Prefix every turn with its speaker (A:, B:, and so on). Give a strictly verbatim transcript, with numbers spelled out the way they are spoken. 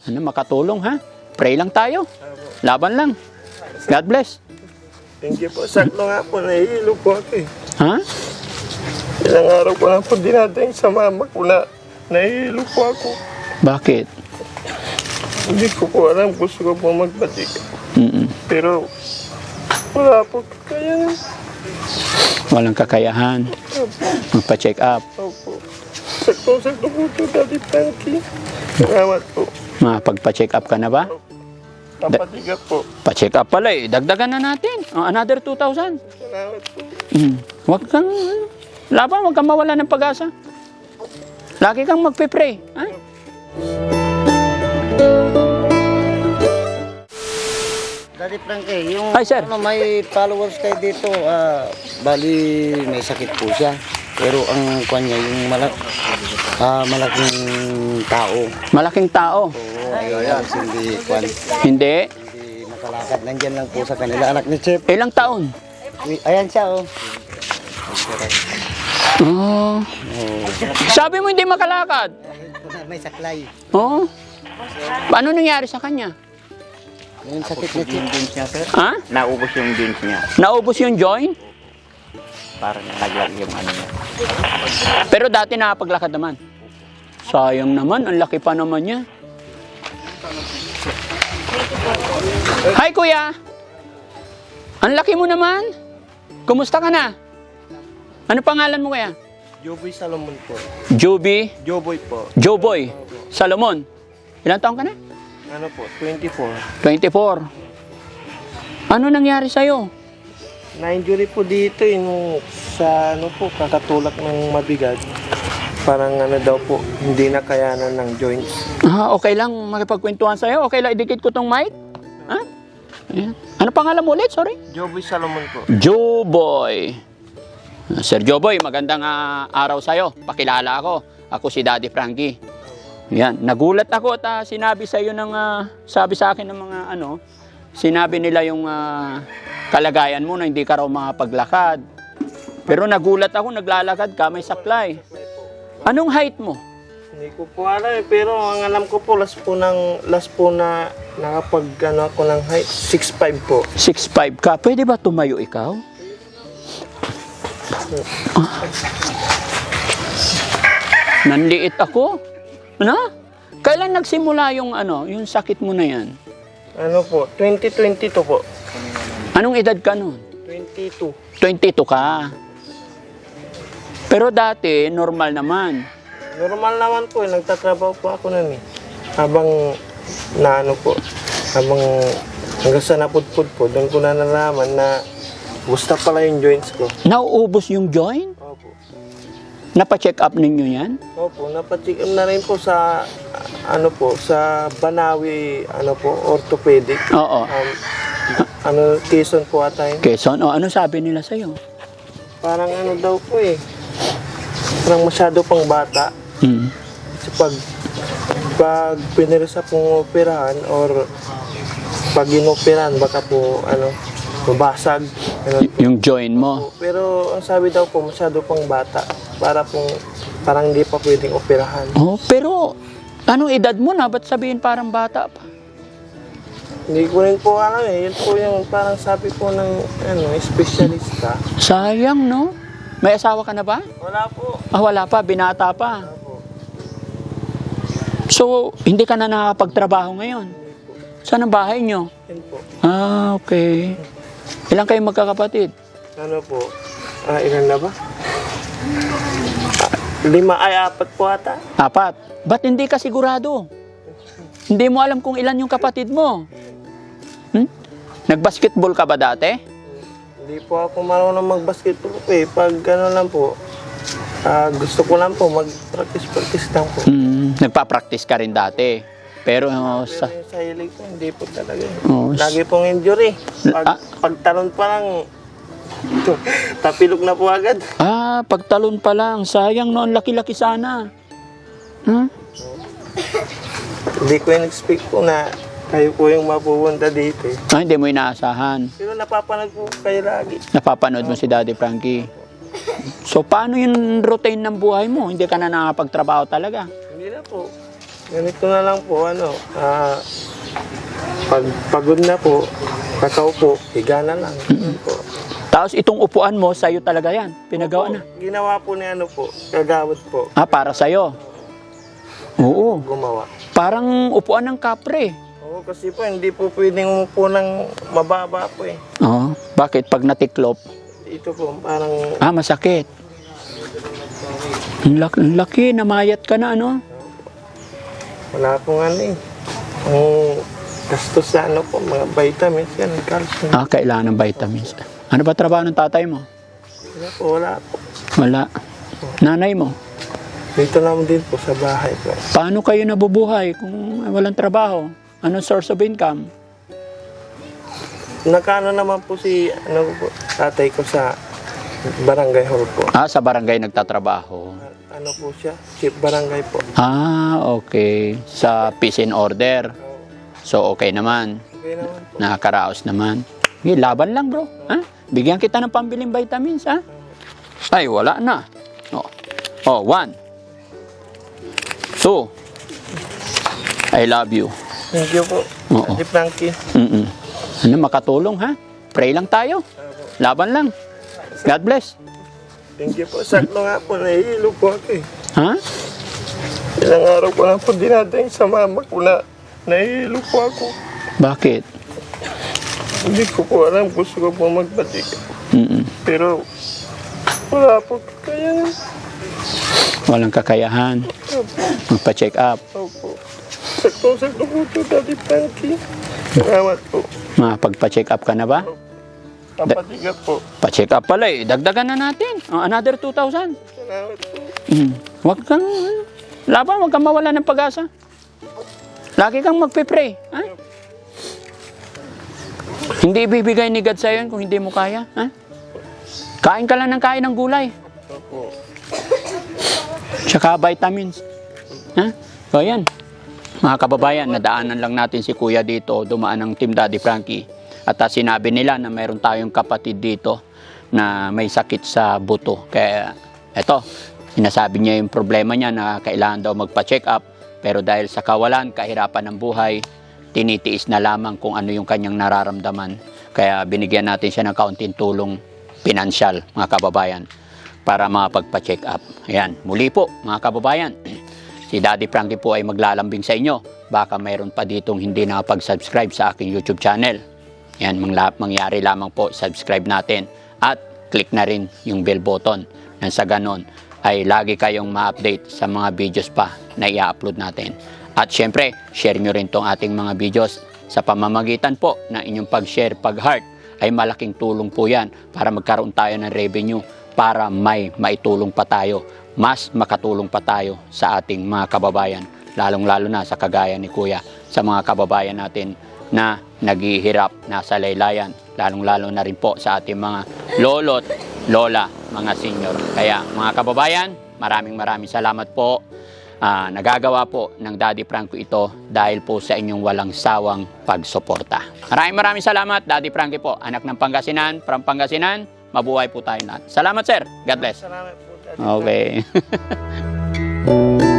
A: ano, makatulong ha. Pray lang tayo. Laban lang. God bless.
B: Thank you po. Sakto nga po, nahihilo po ako eh.
A: Ha?
B: Ilang araw ko na po dinadaing sa mama ko na nahihilo po ako.
A: Bakit?
B: Hindi ko po alam, gusto ko po magbatik.
A: Mm-mm.
B: Pero wala po kaya.
A: Walang kakayahan. Magpa-check up.
B: Opo. Sakto-sakto po ito, Daddy Frankie. Salamat po.
A: Mapagpa-check up ka na ba?
B: Kapatiga po.
A: Pa-check up pala eh. Dagdagan na natin. Oh, another two thousand.
B: Salamat po.
A: Mm. Huwag kang, laban, huwag kang mawala ng pag-asa. Lagi kang magpe-pray. Ha?
C: Daddy Frankie, yung
A: Hi, sir.
C: ano, may followers kayo dito, ah, bali may sakit po siya. Pero ang kanya yung malak ah, malaking tao.
A: Malaking tao.
C: Oo, ayun, hindi kwan,
A: Hindi.
C: hindi makalakad. Nandyan lang po sa kanila. Anak ni Chef.
A: Ilang taon?
C: Uy, ayan siya, oh.
A: Oh.
C: Oh.
A: Sabi mo hindi makalakad.
C: Ayun po na, may saklay.
A: Oh. Paano nangyari sa kanya?
C: Yung sakit ni Chef.
D: Jeans niya, sir.
A: Ha?
D: Naubos yung jeans niya.
A: Naubos yung joint?
D: Parang naglag yung ano niya.
A: Pero dati nakapaglakad naman. Sayang naman, ang laki pa naman niya. Hi kuya! Ang laki mo naman. Kumusta ka na? Ano pangalan mo kuya?
B: Joboy Salomon po.
A: Joby,
B: Joboy po.
A: Joboy, Salomon. Ilang taon ka na?
B: Ano po, twenty-four.
A: twenty-four. Ano nangyari sa'yo?
B: Na-injury po dito eh, nung sa ano po, kakatulak ng mabigat. Parang ano daw po, hindi na kayanan ng joints.
A: Ah, okay lang makipagkwentuhan sa'yo. Okay lang, idikit ko tong mic. Ha? Ayan. Ano pangalan mo ulit? Sorry?
B: Joboy Salomon po.
A: Joboy. Sir Joboy, magandang ah, araw sa'yo. Pakilala ako. Ako si Daddy Frankie. Yan, nagulat ako at ah, sinabi sa iyo ng ah, sabi sa akin ng mga ano, sinabi nila yung ah, kalagayan mo na hindi ka raw makapaglakad. Pero nagulat ako, naglalakad ka, may saklay. Anong height mo?
B: Hindi ko po alam eh, pero ang alam ko po, last po, ng, last po na nakapag ano ako ng height, six five po.
A: six five ka. Pwede ba tumayo ikaw? Ah. Nanliit ako. Ano? Kailan nagsimula yung ano, yung sakit mo na yan?
B: Ano po, twenty twenty-two po.
A: Anong edad ka nun?
B: twenty-two.
A: twenty-two ka. Pero dati, normal naman.
B: Normal naman po eh, nagtatrabaho po ako nun eh. Habang na ano po, habang hanggang sa napudpud po, doon ko na nalaman na gusto pala yung joints ko.
A: Nauubos yung joint?
B: Opo.
A: Napa-check up ninyo yan?
B: Opo, napatik na rin po sa ano po, sa Banawi, ano po, orthopedic.
A: Oo.
B: Um, ano, Quezon po ata yun.
A: Quezon, o ano sabi nila sa'yo?
B: Parang ano daw po eh, parang masyado pang bata.
A: Hmm.
B: Kasi pag, pag pinirisa pong operahan or pag inoperahan, baka po, ano, mabasag. Ganun
A: Y- yung joint mo?
B: po. Pero ang sabi daw po, masyado pang bata. Para pong, parang hindi pa pwedeng operahan.
A: Oh, pero anong edad mo na? Ba't sabihin parang bata pa?
B: Hindi ko rin po alam eh. Yun po yung parang sabi po ng, ano, espesyalista.
A: Sayang, no? May asawa ka na ba?
B: Wala po.
A: Ah, wala pa. Binata pa.
B: Wala po.
A: So, hindi ka na nakapagtrabaho ngayon? Saan ang bahay nyo?
B: Yun po.
A: Ah, okay. Ilang kayo magkakapatid?
B: Ano po? Ah, ilan na ba? Ah, lima ay apat po ata.
A: Apat. Ba't hindi ka sigurado? Hindi mo alam kung ilan yung kapatid mo. Hmm? Nag-basketball ka ba dati?
B: Hindi po ako marunong mag-basketball po eh. Pag ano lang po, ah, gusto ko lang po mag-practice-practice lang po.
A: Hmm, nagpa-practice ka rin dati. Pero uh, sa...
B: Pero yung sa hilig ko, hindi po talaga.
A: Oh,
B: Lagi pong injury. Pag,
A: Ah.
B: pagtalon pa lang, tapilok na po agad.
A: Ah, pagtalon pa lang. Sayang noon, laki-laki sana. Hmm?
B: Hindi ko in-expect po na kayo po yung mapupunta dito eh.
A: Ah, hindi mo inaasahan.
B: Pero napapanood po kayo lagi.
A: Napapanood mo si Daddy Frankie. So, paano yung routine ng buhay mo? Hindi ka na nakapagtrabaho talaga?
B: Hindi na po. Ganito na lang po, ano, ah, pag pagod na po, kakaupo, higa na lang. Ganun po.
A: Tapos itong upuan mo, sa'yo talaga yan. Pinagawa na.
B: Opo, ginawa po ni ano po, kagawad po,
A: Ah, para sa'yo. Oo.
B: gumawa.
A: Parang upuan ng kapre.
B: Oo, kasi po, hindi po pwedeng umupo ng mababa po eh.
A: Oo. Bakit? Pag natiklop,
B: Ito po, parang,
A: ah, masakit. Ang laki, ang laki, namayat ka na, ano?
B: wala pong ano eh. Ang gastos sa ano po, mga vitamins yan, calcium.
A: Ah, kailangan ng vitamins. Ano ba trabaho ng tatay mo?
B: Wala po, wala po.
A: Wala. Nanay mo?
B: Dito naman din po sa bahay po.
A: Paano kayo nabubuhay kung walang trabaho? Anong source of income?
B: Nakano naman po si ano po, tatay ko sa barangay hall po.
A: Ah, sa barangay nagtatrabaho.
B: Ano po siya? Chief barangay po.
A: Ah, okay. Sa peace and order.
B: Oo,
A: So, okay naman.
B: okay naman po.
A: Nakakaraos naman. Sige, laban lang, bro. Ha? Bigyan kita ng pambiling vitamins, ha? Ay, wala na. Oh, oh one. Two. I love you.
B: Thank you po.
A: Oo.
B: Ate Frankie.
A: Mm-mm. Ano, makatulong, ha? Pray lang tayo. Laban lang. God bless.
B: Thank you po. Sakto nga po, nahihilo po ako eh.
A: Ha?
B: Ilang araw ko na po dinadaing sa mama ko na nahihilo po ako.
A: Bakit?
B: Hindi ko po alam, gusto ko po magbatik.
A: Mm-mm.
B: Pero wala po kaya.
A: Walang kakayahan. Magpa-check up.
B: Opo. Sakto-sakto po ito, Daddy Frankie. Salamat po.
A: Makapagpa-check up ka na ba?
B: Kapatigat po.
A: Pa-check up pala eh. Dagdagan na natin. Oh, another two thousand.
B: Salamat po.
A: Mm. Huwag kang, laban, huwag kang mawala ng pag-asa. Lagi kang magpe-pray. Ha? Hindi ibibigay ni God sa'yo yun kung hindi mo kaya. Ha? Kain ka lang ng kain ng gulay.
B: Opo.
A: Tsaka vitamins. Ha? So yan. Mga kababayan, nadaanan lang natin si Kuya dito. Dumaan ng Team Daddy Frankie. At uh, sinabi nila na mayroon tayong kapatid dito na may sakit sa buto. Kaya eto, sinasabi niya yung problema niya na kailangan daw magpa-check up. Pero dahil sa kawalan, kahirapan ng buhay, tinitiis na lamang kung ano yung kanyang nararamdaman. Kaya binigyan natin siya ng kaunting tulong pinansyal, mga kababayan, para makapagpa-check up. Ayan, muli po, mga kababayan, si Daddy Frankie po ay maglalambing sa inyo. Baka mayroon pa ditong hindi nakapag-subscribe sa aking YouTube channel. Ayan, mangla- mangyari lamang po, subscribe natin at click na rin yung bell button. Nang sa ganon ay lagi kayong ma-update sa mga videos pa na i-upload natin. At syempre, share nyo rin tong ating mga videos sa pamamagitan po ng inyong pag-share, pag-heart ay malaking tulong po yan para magkaroon tayo ng revenue para may maitulong pa tayo, mas makatulong pa tayo sa ating mga kababayan, lalong-lalo na sa kagaya ni Kuya, sa mga kababayan natin na naghihirap, nasa laylayan, lalong-lalo na rin po sa ating mga lolo't lola, mga senior. Kaya mga kababayan, maraming maraming salamat po. Uh, nagagawa po ng Daddy Frankie ito dahil po sa inyong walang sawang pagsuporta. Maraming maraming salamat, Daddy Frankie po, anak ng Pangasinan, from Pangasinan. Mabuhay po tayo lahat. Salamat, sir. God bless.
B: Salamat po, Daddy
A: Okay.